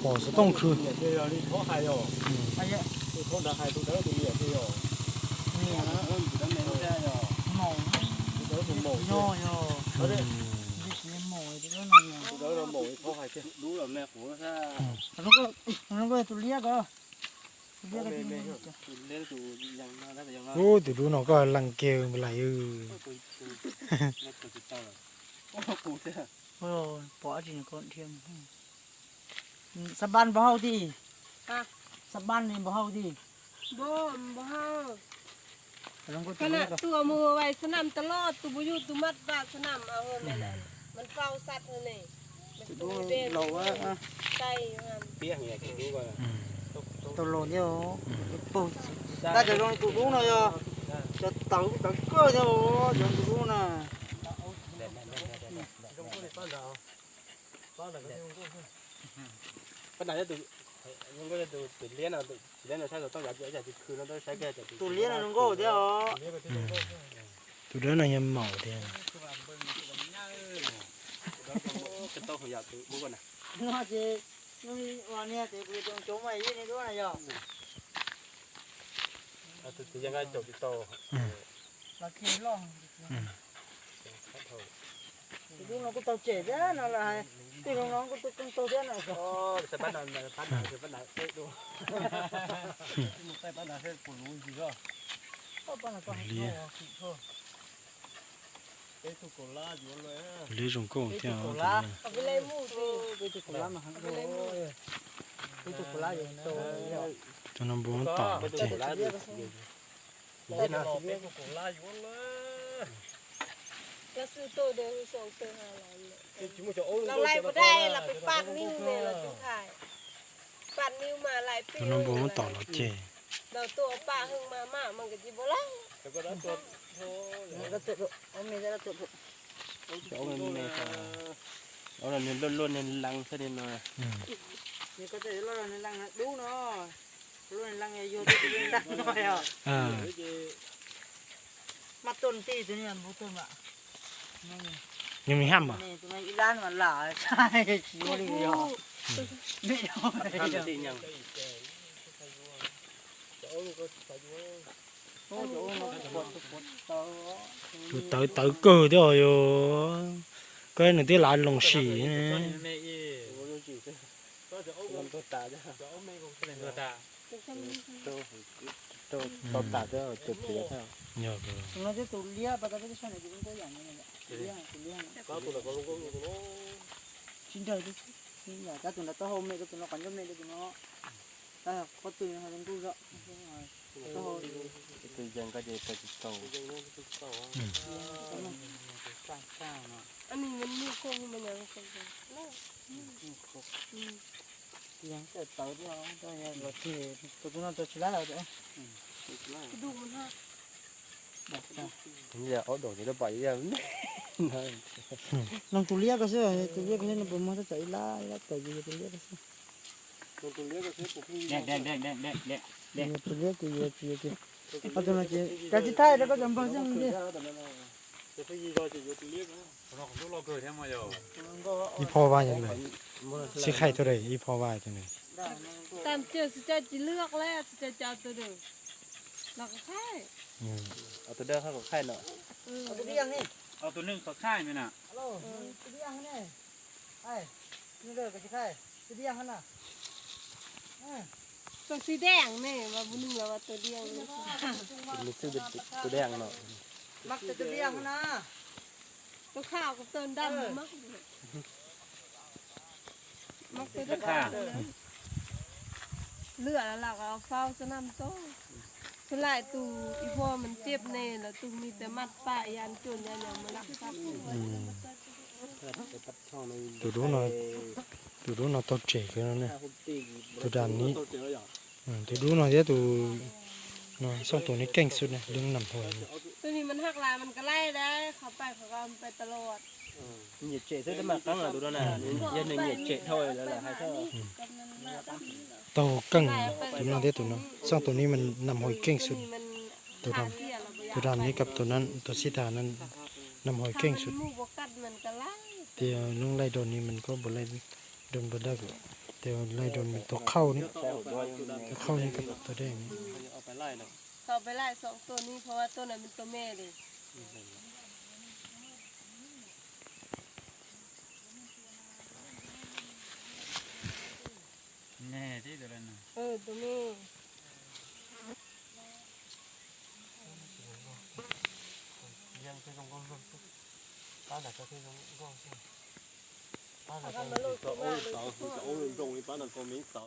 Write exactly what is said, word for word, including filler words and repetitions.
bỏ số tông khử ô từ đó nó có lăng kêu lại ừ ôi bỏ chỉ còn thêm sắp ban bao đi sắp ban này bao đi บ่บ่เฮาขณะตัวมือไว้สนามตลอดตัวบ่อยู่ตัวมัดบาดสนามเอาเฮาแม่นมันเฝ้าสัตว์เฮานี่มันตัวเด่นเราว่าไก่หั่นเปียกเนี่ยกินดูก่อนตัวโลเดียวปุ๊บได้จะลงตัวนู้นเลยจะเต่าเต่าก็จะลงตัวนู้นน่ะปัญหาจะตัวมันก็จะตัวตัวเลี้ยนอ่ะตัวเลี้ยนเราใช้เราต้องอยากอยากจะคืนเราต้องใช้แค่จะตัวเลี้ยนลงก็เดียวตัวđó là nhầm màu thì จะต้องอยากตัวรู้ก่อนนะ nó chỉ nó đi vào nè thì bây giờ chúng mày như này đó này giờ ตัวยังไงจบที่โต là kia long thì đúng nó cũng tàu trẻ đó nó là thì nó nó cũng cũng tàu thế này อ๋อจะปั้นอะไรปั้นอะไรจะปั้นอะไรเอ๊ะดูมึงไปปั้นอะไรกูรู้จริงก็ có bao nhiêu con thôi เอ๊ะตุกลาอยู่เลย lấy rồng cổ theo เอาไปเลยหมูสิ cái chục lá mà hắn cái cái chục lá vậy tôi cho nó bốn tỏ ตุกลาอยู่เล่นนะตุกลาอยู่เลยแล้วซื้อตัวเดียวสองตัวห้าร้อยเลยเราไล่บ่ได้เราไปปาดนิ้วเนี่ยเราจึงขายปาดนิ้วมาหลายปี cho nó bốn tỏ nó chè เราตัวป้าหึงมามามันก็สิบ่ไล่แต่ก็ได้ตัวโธ่ nó tự ông này ra tự เอาเงินในเอาเงินล้นๆในลังซะนิดหน่อย thì có thể lo là lăng đúng nó luôn lăng này vô cái lăng thôi à à mặt tuần tì thế này bố tuần ạ nhưng mình ham à này tụi mày lan mà lả sai chỉ có đi nhỏ đi nhỏ ทำสิยัง tụi tới tới cơ đó rồi cái này tí lại lồng xì nè ตัวตาจ้ะตัวตาตัวตัวตัวตาจ้ะจุดเสียเท่า nhờ cơ nó cái tụi lia và cái cái này cũng có dạng này nè lia tụi lia có tụi nó có luôn có luôn nó xin trời đi xin nhà các tụi nó to hôm nay tụi nó còn giống này tụi nó ta có tụi nó đang tu rõ từ dân cái gì từ tàu อันนี้มันมีโคงมันยังคงเนาะยังแต่เต่าที่เราตัวนี้รถที่ตัวนั้นตัวชิลาเราตัวดูมันฮะ giờ ở đồ thì nó bậy ra nông tụi lia cái gì tụi lia cái này nó bơm nó chạy lá lá chạy gì tụi lia cái gì tụi lia cái gì đen đen đen đen đen đen đen tụi lia tụi lia tụi lia à tụi nó chỉ cái gì thay đó có làm bao nhiêu gì cái gì rồi thì tụi lia nó không có lo cười thêm mà giờ y po vai như này sẽ khai thôi đấy y po vai như này ตามเจอสิจะจะเลือกแล้วสิจะจะตัวเดียวเราก็ใช่เอาตัวเดิมเข้ากับไข่หน่อยเอาตัวเลี้ยงนี่เอาตัวนึงเขาค่ายไหมน่ะฮัลโหลตัวเลี้ยงนี่ไอ้นี่เลยก็จะใช่ตัวเลี้ยงน่ะตัวสีแดงนี่มาบุญนึงแล้วว่าตัวเดียวนี่มีชื่อตัวแดงหน่อยมักจะตัวเลี้ยงน่ะตัวขาวกับตัวดำมักมักตัวดำเลือดแล้วเราก็เอาเฝ้าสนามโต้คือหลายตูอีพ่อมันเจ็บแน่แล้วตูมีแต่มัดปะยันจนยันอย่างมันรักทรัพย์ tụi đó nó tụi đó nó to trẻ cái nó này tụi đàn ní tụi đó nó thế tụi nó xong tụi nó canh suốt này đừng nằm thôi ตัวนี้มันหักลายมันก็ไล่ได้เขาไปเขาก็ไปตลอด nhiệt trệ thế mà căng là tụi đó là dân này nhiệt trệ thôi là là hay sao tàu căng tụi nó thế tụi nó xong tụiนี้มันนำหอยเก่งสุดตัวดำตัวดำนี้กับตัวนั้นตัวสีตานั้นนำหอยเก่งสุดมูบกัดมันก็ไล่เดี๋ยวลุงไล่โดนนี้มันก็บ่ไล่โดนบ่ได้ก็แต่ว่าไล่โดนเป็นตัวเข้านี่ใช่ผมด้วยตัวเข้านี่กับตัวแดงนี่เอาไปไล่เลยเขาไปไล่สองตัวนี้เพราะว่าตัวนั้นเป็นตัวแม่เลยแน่ที่ตัวนั้นเออตัวแม่ยังคือต้องก้องป้าหนักก็คือต้องก้องป้าหนักเขามาลูกตัวว่าเลย早早运动，一般的国民早。